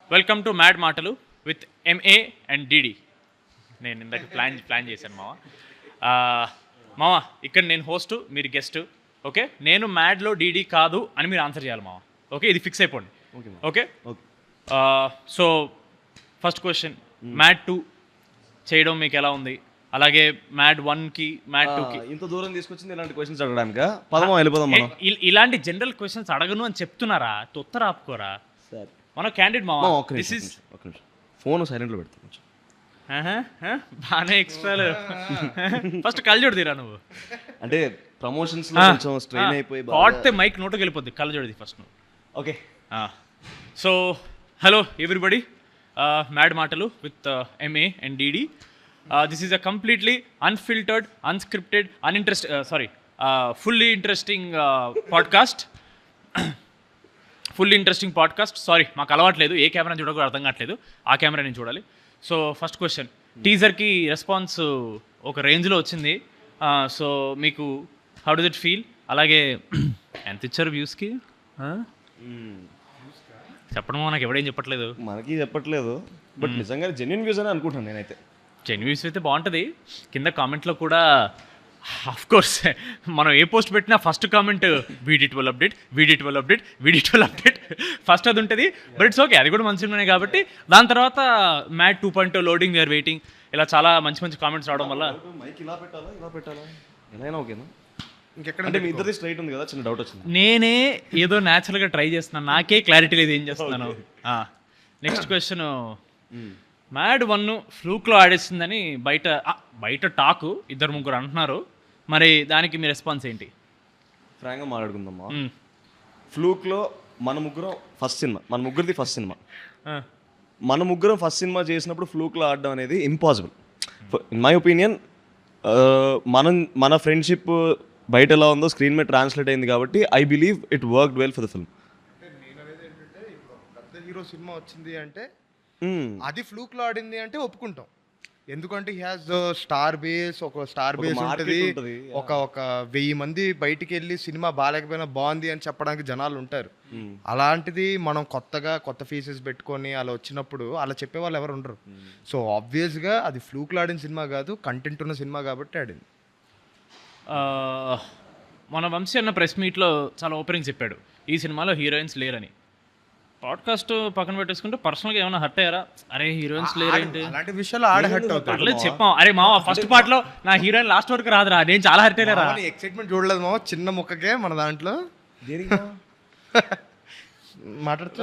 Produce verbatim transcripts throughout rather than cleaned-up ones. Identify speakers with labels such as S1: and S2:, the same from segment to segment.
S1: Welcome to mad మాటలు with MA and DD. నేను ఇందాక ప్లాన్ ప్లాన్ చేశాను మామ. మామ ఇక్కడ నేను హోస్ట్, మీరు గెస్ట్. ఓకే, నేను మ్యాడ్లో డీడీ కాదు అని మీరు ఆన్సర్ చేయాలి మామ. ఓకే, ఇది ఫిక్స్ అయిపోండి. Okay, so first question, mad two చేయడం మీకు ఎలా ఉంది? అలాగే మ్యాడ్ వన్కి మ్యాడ్ టూకి
S2: ఇంత దూరం తీసుకొచ్చింది ఇలాంటి క్వశ్చన్స్ అడగడానికి. పదమా వెళ్ళిపోదాం మనం.
S1: ఇలాంటి జనరల్ క్వశ్చన్స్ అడగను అని చెప్తున్నారా? తొత్తర ఆపుకోరా మన క్యాండిడేట్ మామ. దిస్ ఇస్
S2: ఫోన్ సైలెంట్లో పెడతాను.
S1: బాగానే ఎక్స్ట్రా. ఫస్ట్ కళ్ళజోడు తీరా నువ్వు.
S2: అంటే ప్రమోషన్స్ లో కొంచెం స్ట్రెయిన్ అయిపోయి
S1: పాడితే మైక్ నోటుకి వెళ్ళిపోద్ది. కళ్ళజోడిది ఫస్ట్ నువ్వు.
S2: Okay,
S1: so hello everybody, mad మాటలు with MA and DD. This is a completely unfiltered, unscripted, uninterest sorry fully interesting podcast. Full interesting podcast. Sorry, మాకు అలవాట్లేదు, ఏ కెమెరా చూడకూడదు అర్థం కావట్లేదు, ఆ కెమెరా నేను చూడాలి. సో ఫస్ట్ క్వశ్చన్, టీజర్కి రెస్పాన్స్ ఒక రేంజ్లో వచ్చింది. సో మీకు హౌ డస్ ఇట్ ఫీల్? అలాగే ఎంత ఇచ్చారు వ్యూస్కి? చెప్పడం నాకు ఎవడేం చెప్పట్లేదు.
S2: మనకి చెప్పట్లేదు, బట్ నిజంగా జెన్యున్ వ్యూస్ అని అనుకుంటాను నేనైతే.
S1: జెన్యున్ వ్యూస్ అయితే బాగుంటుంది. కింద కామెంట్లో కూడా ఆఫ్ కోర్స్ మనం ఏ పోస్ట్ పెట్టినా first comment VD twelve update, VD twelve update, VD twelve update first అది ఉంటుంది. బట్ ఇట్స్ ఓకే, అది కూడా మంచి సినిమానే కాబట్టి. దాని తర్వాత mad two point loading, we're waiting, ఇలా చాలా మంచి మంచి కామెంట్స్ రావడం వల్ల
S2: మైక్ ఇలా పెట్టాలా ఇలా పెట్టాలా ఎలా ఓకేనా? ఇంకెక్కడ మీ ఇద్దరిది స్ట్రైట్ ఉంది కదా, చిన్న డౌట్ వచ్చింది.
S1: నేనే ఏదో న్యాచురల్గా ట్రై చేస్తున్నాను, నాకే క్లారిటీ లేదు ఏం చేస్తున్నాను. నెక్స్ట్ క్వశ్చన్, మ్యాడ్ వన్ ఫ్లూక్లో ఆడేసిందని బయట బయట టాకు ఇద్దరు ముగ్గురు అంటున్నారు. మరి దానికి మీ రెస్పాన్స్ ఏంటి?
S2: ఫ్రాంక్గా మాట్లాడుకుందామా. ఫ్లూక్లో మన ముగ్గురం ఫస్ట్ సినిమా, మన ముగ్గురిది ఫస్ట్ సినిమా. మన ముగ్గురం ఫస్ట్ సినిమా చేసినప్పుడు ఫ్లూక్లో ఆడడం అనేది ఇంపాసిబుల్ ఇన్ మై ఒపీనియన్. మనం మన ఫ్రెండ్షిప్ బయట ఎలా ఉందో స్క్రీన్ మీద ట్రాన్స్లేట్ అయింది కాబట్టి I believe it worked well for the film.
S3: నేను అనేది ఏంటంటే, ఇప్పుడు పెద్ద హీరో సినిమా వచ్చింది అంటే అది ఫ్లూక్లో ఆడింది అంటే ఒప్పుకుంటాం. ఎందుకంటే హీ హాజ్ స్టార్ బేస్, ఒక స్టార్ బేస్ ఉంటుంది, ఒక ఒక వెయ్యి మంది బయటికి వెళ్ళి సినిమా బాగాలేకపోయినా బాగుంది అని చెప్పడానికి జనాలు ఉంటారు. అలాంటిది మనం కొత్తగా కొత్త ఫేసెస్ పెట్టుకొని అలా వచ్చినప్పుడు అలా చెప్పే వాళ్ళు ఎవరు ఉండరు. సో ఆబ్వియస్గా అది ఫ్లూక్లో ఆడిన సినిమా కాదు, కంటెంట్ ఉన్న సినిమా కాబట్టి ఆడింది.
S1: మన వంశీ అన్న ప్రెస్ మీట్లో చాలా ఓపెనింగ్ చెప్పాడు, ఈ సినిమాలో హీరోయిన్స్ లేరని. పాడ్కాస్ట్ పక్కన పెట్టేసుకుంటే పర్సనల్గా ఏమైనా హర్ట్ అయ్యారా? అరే హీరోయిన్స్ లేరేంటి
S3: అలాంటి విషయాలు ఆడ హర్ట్ అవుతారు.
S1: చెప్పాం, అరే మావ ఫస్ట్ పార్ట్ లో నా హీరోయిన్ లాస్ట్ వరకు రాదురా, నేను చాలా హర్ట్ అయ్యారా.
S3: ఎక్సైట్మెంట్ చూడలేదు మావ, చిన్న ముక్కకే మన దాంట్లో మాట్లాడుతున్నా.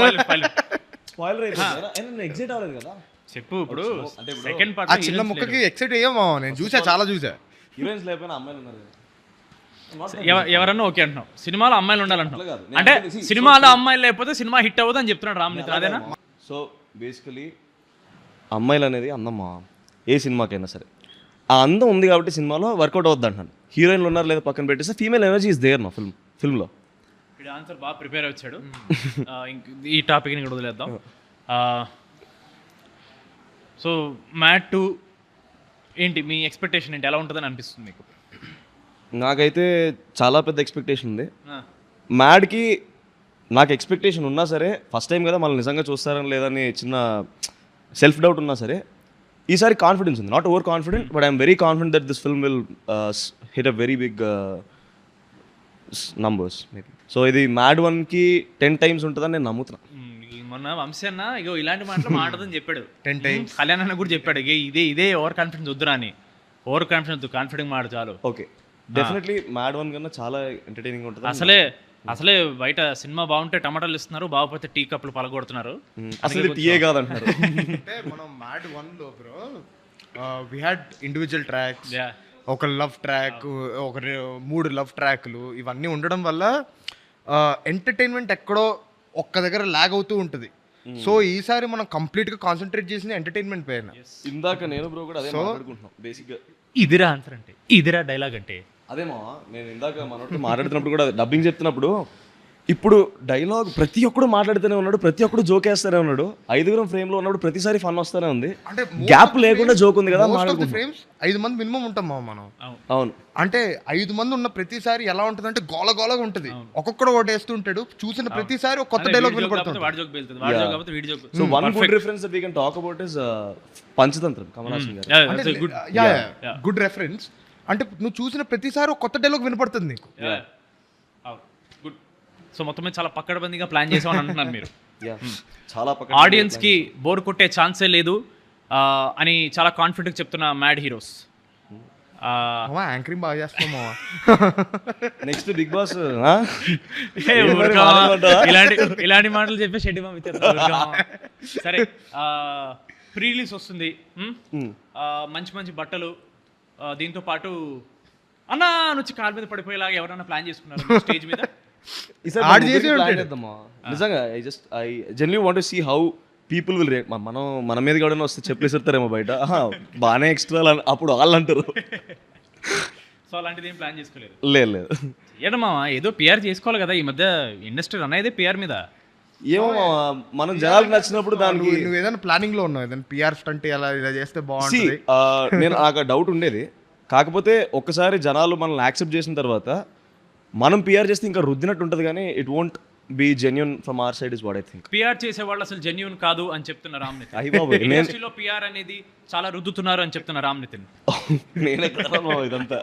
S1: చెప్పు ఇప్పుడు సెకండ్ పార్ట్
S3: చిన్న ముక్కకి ఎక్సైట్ అయ్యా మావ, నేను చూసా, చాలా చూసా.
S2: హీరోయిన్స్ లేకపోయినా అమ్మాయిలు ఉన్నారు.
S1: ఎవరన్నా ఓకే అంటున్నావు, సినిమాలో అమ్మాయిలు ఉండాలంటున్నావు అంటే సినిమాలో అమ్మాయిలు లేకపోతే సినిమా హిట్ అవ్వదు అని చెప్తున్నాడు రామ్నిత్, అదేనా?
S2: సో బేసికలీ అమ్మాయిలు అనేది అందమ్మా, ఏ సినిమాకైనా సరే ఆ అందం ఉంది కాబట్టి సినిమాలో వర్కౌట్ అవుద్ది అంటున్నాను. హీరోయిన్లు ఉన్నారు లేదా పక్కన పెట్టేస్తే ఫీమేల్ ఎనర్జీ ఇస్ దేర్ నా ఫిల్మ్ ఫిల్మ్లో.
S1: ఇది ఆన్సర్ బాగా ప్రిపేర్ వచ్చాడు. ఈ టాపిక్ని కూడా వదిలేద్దాం. సో మ్యాడ్ టూ ఏంటి మీ ఎక్స్పెక్టేషన్ ఏంటి? ఎలా ఉంటుందని అనిపిస్తుంది మీకు?
S2: నాకైతే చాలా పెద్ద ఎక్స్పెక్టేషన్ ఉంది. మ్యాడ్కి నాకు ఎక్స్పెక్టేషన్ ఉన్నా సరే, ఫస్ట్ టైం కదా మళ్ళీ నిజంగా చూస్తారని లేదని చిన్న సెల్ఫ్ డౌట్ ఉన్నా సరే, ఈసారి కాన్ఫిడెన్స్ ఉంది. Not over confident, but I'm very confident that this film will hit a very big numbers maybe. So ఇది మ్యాడ్ వన్కి టెన్ టైమ్స్ ఉంటుందని నేను నమ్ముతున్నాను.
S1: మొన్న వంశీ అన్న ఇగో ఇలాంటి మాటలు మాట్లాడదని చెప్పాడు,
S3: టెన్ టైమ్స్
S1: కళ్యాణ్ అన్న కూడా చెప్పాడు, ఇదే ఇదే ఓవర్ కాన్ఫిడెన్స్ వద్దురా అని. ఓవర్ కాన్ఫిడెన్స్ వద్దు, కాన్ఫిడెంట్ మాట చాలు.
S2: ఓకే, డెఫినెట్లీ మ్యాడ్ వన్ కన్నా చాలా ఎంటర్టైనింగ్ ఉంటుంది.
S1: అసలే అసలే బయట సినిమా బాగుంటే టమాటాలు ఇస్తున్నారు, బాగుపోతే టీ కప్పులు పలగొడుతున్నారు.
S2: అసలు టీయే కాదంటున్నారు.
S3: అంటే మనం మ్యాడ్ వన్ లో bro we had individual tracks, ఒక లవ్ ట్రాక్, ఒక మూడు లవ్ ట్రాక్లు, ఇవన్నీ ఉండడం వల్ల ఎంటర్టైన్మెంట్ ఎక్కడో ఒక్క దగ్గర లాగ్ అవుతూ ఉంటుంది. సో ఈసారి మనం కంప్లీట్ గా కాన్సన్ట్రేట్ చేసిన ఎంటర్టైన్మెంట్ పైన.
S2: ఇందాక నేను బ్రో కూడా అదే మాట్లాడుకుంటున్నాం బేసిక్గా.
S1: ఇదిరా ఆన్సర్ అంటే, ఇదిరా డైలాగ్ అంటే
S2: అదే మా నేను ఇందాక మనతో మాట్లాడుతున్నప్పుడు కూడా డబ్బింగ్ చెప్తున్నప్పుడు ఇప్పుడు డైలాగ్ ప్రతి ఒక్కడు మాట్లాడుతూనే ఉన్నాడు, ప్రతి ఒక్కడు జోక్ వేస్తూనే ఉన్నాడు. ఐదుగురం ఫ్రేమ్ లో ఉన్నప్పుడు ప్రతిసారి ఫన్ వస్తూనే ఉంది.
S3: అంటే
S2: గ్యాప్ లేకుండా జోక్ ఉంది కదా.
S3: ఫ్రేమ్స్ ఐదు మంది మినిమం ఉంటాం మామ మనం.
S2: అవును,
S3: అంటే ఐదు మంది ఉన్న ప్రతిసారి ఎలా ఉంటుంది అంటే గోల గోలగా ఉంటుంది. ఒక్కొక్కడు ఒకటి వేస్తుంటాడు, చూసిన ప్రతిసారి ఒక కొత్త డైలాగ్ వినపడుతుంది.
S2: So one good reference that we can talk about is Panchatantram, Kamal Haasan garu.
S3: Good reference. అంటే నువ్వు చూసిన ప్రతిసారి ఒక కొత్త డైలాగ్ వినపడుతుంది నీకు.
S1: గుడ్. సో మొత్తం మీద చాలా పక్కడబందిగా ప్లాన్ చేసామని అంటున్నారు మీరు.
S2: చాలా
S1: ఆడియన్స్ కి బోర్ కొట్టే ఛాన్సే లేదు ఆ, అని చాలా కాన్ఫిడెంట్ చెప్తున్న మ్యాడ్ హీరోస్.
S3: యాంకరింగ్ బాగా చేస్తామా.
S2: నెక్స్ట్ బిగ్ బాస్
S1: ఇలాంటి ఇలాంటి మాటలు చెప్పి షెడ్డి సరే. ప్రీ రిలీజ్ వస్తుంది, ఆ, మంచి మంచి బట్టలు, ఆ, దీంతో పాటు అన్నా నుంచి కాలు మీద పడిపోయేలాగా ఎవరైనా ప్లాన్ చేసుకున్నారు స్టేజ్ మీద?
S2: నిజంగా I just I genuinely want to see how people will react. మనం మన మీద కూడా వస్తే చెప్పలేసేస్తారేమో బయట, బాగానే ఎక్స్ట్రా అప్పుడు వాళ్ళు అంటారు.
S1: సో అలాంటిది ఏం ప్లాన్ చేసుకోలేదు?
S2: లేదు లేదు.
S1: ఏడమ్మా ఏదో పిఆర్ చేసుకోవాలి కదా, ఈ మధ్య ఇండస్ట్రీ రన్ అయ్యేదే పిఆర్ మీద.
S2: ఏమో మనం జనాలకు నచ్చినప్పుడు దానికి
S3: నువ్వు ఏదైనా ప్లానింగ్ లో ఉన్నావు, ఏదైనా పిఆర్ స్టంట్ అలా ఇలా చేస్తే బాగుంటుంది.
S2: నేను నాకు డౌట్ ఉండేది, కాకపోతే ఒక్కసారి జనాలు మనల్ని యాక్సెప్ట్ చేసిన తర్వాత మనం పిఆర్ చేస్తే ఇంకా రుద్దినట్టు ఉంటుంది, కానీ it won't be genuine from our side is what I think.
S1: PR చేసే వాళ్ళు అసలు జెన్యూన్ కాదు అని చెప్తున్న రామ్ నితిన్. ఇండస్ట్రీలో పిఆర్ అనేది చాలా రుద్దుతున్నారు అని చెప్తున్న రామ్ నితిన్.
S2: నేనే ఇదంతా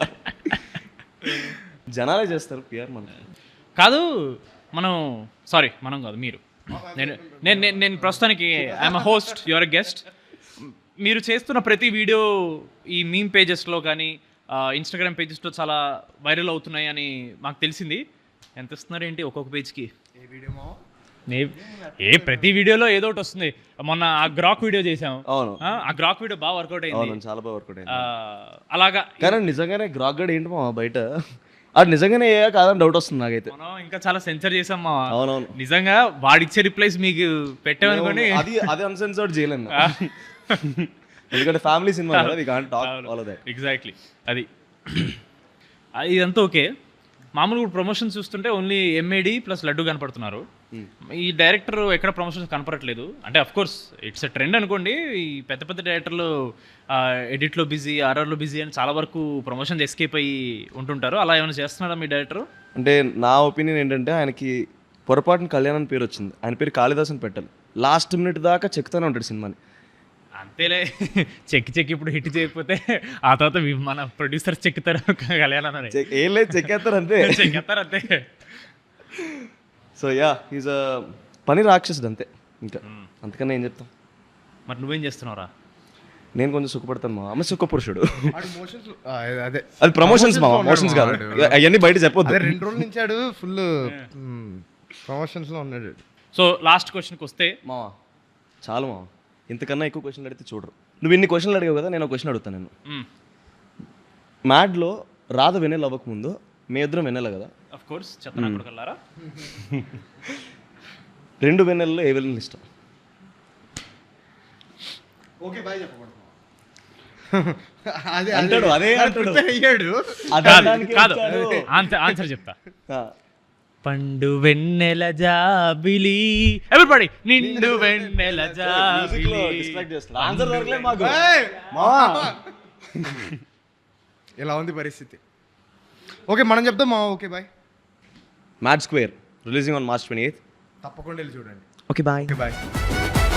S2: జనాలే చేస్తారు పిఆర్. మనం
S1: కాదు, మనం సారీ మనం కాదు మీరు. నేను నేను నేను ప్రస్తుతానికి I'm a host, your a guest. మీరు చేస్తున్న ప్రతి వీడియో ఈ మీమ్ పేజెస్లో కానీ ఇన్స్టాగ్రామ్ పేజెస్లో చాలా వైరల్ అవుతున్నాయి అని మాకు తెలిసింది. ఎంత ఇస్తున్నారు ఏంటి ఒక్కొక్క పేజ్కి?
S3: ఏ వీడియో మావా?
S1: ఏ ప్రతి వీడియోలో ఏదో ఒకటి వస్తుంది. మొన్న ఆ గ్రాక్ వీడియో చేసాం.
S2: అవును,
S1: ఆ గ్రాక్ వీడియో బాగా వర్కౌట్ అయింది.
S2: చాలా బాగా వర్కౌట్ అయింది.
S1: అలాగా
S2: కానీ నిజంగానే గ్రాక్ గడ్ ఏంటి మా బయట అది నిజంగానే ఏ కాదని డౌట్ వస్తుంది నాకైతే.
S1: మనం ఇంకా చాలా సెన్సర్ చేసాం మా.
S2: అవునవును,
S1: నిజంగా వాడిచ్చే రిప్లైస్ మీకు పెట్టామనుకోండి,
S2: అది అది అన్సెన్సర్డ్ చేయలేను. ఎందుకంటే ఫ్యామిలీ సినిమా కదా, we can't talk all of that.
S1: Exactly అది. ఇదంతా ఓకే. మామూలుగా ప్రమోషన్స్ చూస్తుంటే ఓన్లీ ఎంఏడి ప్లస్ లడ్డు కనపడుతున్నారు. ఈ డైరెక్టర్ ఎక్కడ ప్రమోషన్స్ కనపడట్లేదు. అంటే of course it's a trend అనుకోండి. ఈ పెద్ద పెద్ద డైరెక్టర్లు ఎడిట్లో బిజీ, ఆర్ఆర్లో బిజీ అని చాలా వరకు ప్రమోషన్స్ ఎస్కేప్ అయ్యి ఉంటుంటారు. అలా ఏమైనా చేస్తున్నాడా మీ డైరెక్టర్?
S2: అంటే నా ఒపీనియన్ ఏంటంటే ఆయనకి పొరపాటున కళ్యాణ్ అని పేరు వచ్చింది, ఆయన పేరు కాళిదాస్ అని పెట్టాలి. లాస్ట్ మినిట్ దాకా చెక్తూనే ఉంటాడు సినిమాని.
S1: అంతేలే, చెక్కి చెక్కి ఇప్పుడు హిట్ చేయకపోతే ఆ తర్వాత మన ప్రొడ్యూసర్ చెక్కుతారు కళ్యాణ్ అని.
S2: ఏం లేదు, చెక్కేస్తారు అంతే,
S1: చెక్కేస్తారు అంతే.
S2: సో యా ఈజ్ అ పని రాక్షసుడు అంతే, ఇంకా అంతకన్నా ఏం చెప్తాం.
S1: మరి నువ్వేం చేస్తున్నావురా?
S2: నేను కొంచెం సుఖపడతాను మా అమ్మ, సుఖ పురుషుడు.
S3: అదే
S2: అది ప్రమోషన్స్ మా, మోషన్స్ కాదు అవన్నీ బయట చెప్పొద్దు.
S3: రెండు రోజుల నుంచి ఆడు ఫుల్ ప్రమోషన్స్ లో ఉన్నాడు.
S1: సో లాస్ట్ క్వశ్చన్కి వస్తే
S2: మా చాలు మా, ఇంతకన్నా ఎక్కువ క్వశ్చన్లు అడిగితే చూడరు. నువ్వు ఇన్ని క్వశ్చన్లు అడిగావు కదా, నేను ఒక క్వశ్చన్ అడుగుతాను. నేను మ్యాడ్లో రాధ వెన్నెల అవ్వకముందు మీ ఇద్దరం వెన్నెల కదా,
S1: ఆఫ్ కోర్స్ చెత్తనా కొడుకల్లారా.
S2: రెండు వెన్నెలలో ఏ వెన్నెల ఇష్టం?
S3: ఓకే బాయ్ చెప్పకూడదు
S2: అంటాడు, అదే అంటాడు.
S1: కాదు ఆన్సర్ చెప్తా. పండు వెన్నెల జాబిలి, ఎవ్రీబడి నిండు వెన్నెల జాబిలి.
S3: ఇలా ఉంది పరిస్థితి. ఓకే మనం చెప్తాం మా. Okay bye.
S2: Mad square releasing on March twenty eighth.
S3: తప్పకుండా వెళ్ళి చూడండి.
S2: Okay bye.
S3: బాయ్.